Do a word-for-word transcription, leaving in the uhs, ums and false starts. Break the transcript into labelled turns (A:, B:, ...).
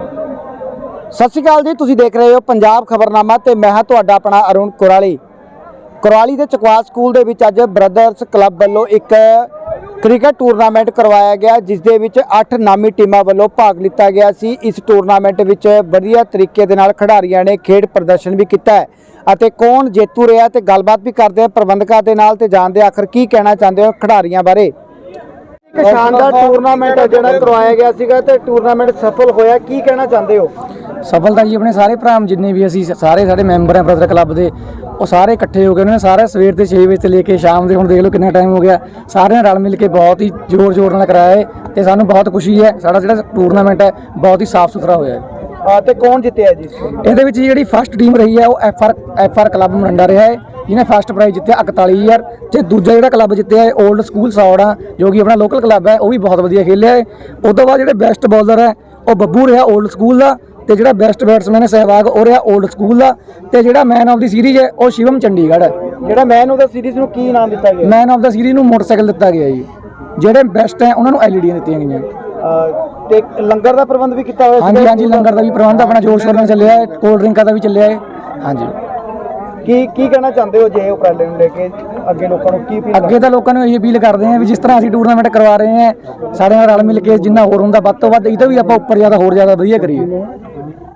A: सत श्री अकाल जी, तुसीं देख रहे हो पंजाब खबरनामा ते मैं हाँ तुहाडा अपना अरुण कुराली। कुराली के चकवा स्कूल दे विच अज ब्रदर्स क्लब वालों एक क्रिकेट टूरनामेंट करवाया गया, जिस दे विच अठ नामी टीमां वालों भाग लिता गया सी। इस टूरनामेंट विच वधिया तरीके दे नाल खिडारियां ने खेड प्रदर्शन भी किया है ਅਤੇ कौन जेतू रहा ते गलबात भी करते हैं प्रबंधकों के नाल ते जानते आखिर की कहना चाहते हो खिडारियों बारे। एक शानदार टूरनामेंट जिहड़ा करवाया गया सीगा ते टूरनामेंट सफल होया, की कहना चाहते हो?
B: सफलता जी अपने सारे भरा जिन्ने भी असी सारे सारे मैंबर हैं ब्रदर क्लब के, वो सारे इकट्ठे हो गए। उन्होंने सारे सवेर के छे बजे से लेके शाम के हुण देख लो कितना टाइम हो गया, सारे रल मिल के बहुत ही जोर जोर नाल कराया है ते सानू बहुत खुशी है। साडा जिहड़ा टूरनामेंट है बहुत ही साफ सुथरा होया है।
A: ਤੇ कौन जितया जी?
B: ਇਹਦੇ ਵਿੱਚ ਜਿਹੜੀ ਫਸਟ ਟੀਮ ਰਹੀ ਹੈ ਉਹ F R F R club Maranda ਰਿਹਾ ਹੈ, ਜਿਹਨੇ ਫਸਟ ਪ੍ਰਾਈਜ਼ ਜਿੱਤਿਆ ਇਕਤਾਲੀ ਹਜ਼ਾਰ ਤੇ ਦੂਜਾ ਜਿਹੜਾ ਕਲੱਬ ਜਿੱਤਿਆ ਹੈ 올ਡ ਸਕੂਲ ਸੌੜਾ, ਜੋ ਕਿ ਆਪਣਾ ਲੋਕਲ ਕਲੱਬ ਹੈ, ਉਹ ਵੀ ਬਹੁਤ ਵਧੀਆ ਖੇਲਿਆ ਹੈ। ਉਸ ਤੋਂ ਬਾਅਦ ਜਿਹੜੇ ਬੈਸਟ ਬੋਲਰ ਹੈ ਉਹ ਬੱਬੂ ਰਿਹਾ 올ਡ ਸਕੂਲ ਦਾ, ਤੇ ਜਿਹੜਾ ਬੈਸਟ ਬੈਟਸਮੈਨ ਹੈ ਸਹਿਵਾਗ ਉਹ ਰਿਹਾ 올ਡ ਸਕੂਲ ਦਾ, ਤੇ ਜਿਹੜਾ ਮੈਨ ਆਫ ਦੀ ਸੀਰੀਜ਼ ਹੈ ਉਹ ਸ਼ਿਵਮ ਚੰਡੀਗੜ੍ਹ ਹੈ।
A: ਜਿਹੜਾ ਮੈਨ ਆਫ ਦਾ ਸੀਰੀਜ਼ ਨੂੰ ਕੀ ਨਾਮ ਦਿੱਤਾ ਗਿਆ?
B: ਮੈਨ ਆਫ ਦਾ ਸੀਰੀਜ਼ ਨੂੰ ਮੋਟਰਸਾਈਕਲ ਦਿੱਤਾ ਗਿਆ ਜੀ। ਜਿਹੜੇ ਬੈਸਟ ਹੈ ਉਹਨਾਂ ਨੂੰ ਐਲ ਈ ਡੀਆਂ ਦਿੱਤੀਆਂ ਗਈਆਂ।
A: ਤੇ ਲੰਗਰ ਦਾ ਪ੍ਰਬੰਧ ਵੀ ਕੀਤਾ ਹੋਇਆ?
B: ਹਾਂਜੀ ਹਾਂਜੀ, ਲੰਗਰ ਦਾ ਵੀ ਪ੍ਰਬੰਧ ਆਪਣਾ ਜੋਰ ਸ਼ੋਰ ਨਾਲ ਚੱਲਿਆ ਹੈ, ਕੋਲਡ ਡਰਿੰਕਾਂ ਦਾ ਵੀ ਚੱਲਿਆ ਹੈ। ਹਾਂਜੀ,
A: ਕੀ ਕੀ ਕਹਿਣਾ ਚਾਹੁੰਦੇ ਹੋ ਜੇ ਉਪਰਾਲੇ ਨੂੰ ਲੈ ਕੇ ਅੱਗੇ ਲੋਕਾਂ ਨੂੰ ਕੀ ਅਪੀਲ?
B: ਅੱਗੇ ਤਾਂ ਲੋਕਾਂ ਨੂੰ ਇਹ ਅਪੀਲ ਕਰਦੇ ਹਾਂ ਵੀ ਜਿਸ ਤਰ੍ਹਾਂ ਅਸੀਂ ਟੂਰਨਾਮੈਂਟ ਕਰਵਾ ਰਹੇ ਹਾਂ, ਸਾਡੇ ਨਾਲ ਰਲ ਮਿਲ ਕੇ ਜਿੰਨਾ ਹੋਰ ਹੁੰਦਾ ਵੱਧ ਤੋਂ ਵੱਧ ਇਹ ਤੋਂ ਵੀ ਆਪਾਂ ਉੱਪਰ ਜ਼ਿਆਦਾ ਹੋਰ ਜ਼ਿਆਦਾ ਵਧੀਆ ਕਰੀਏ।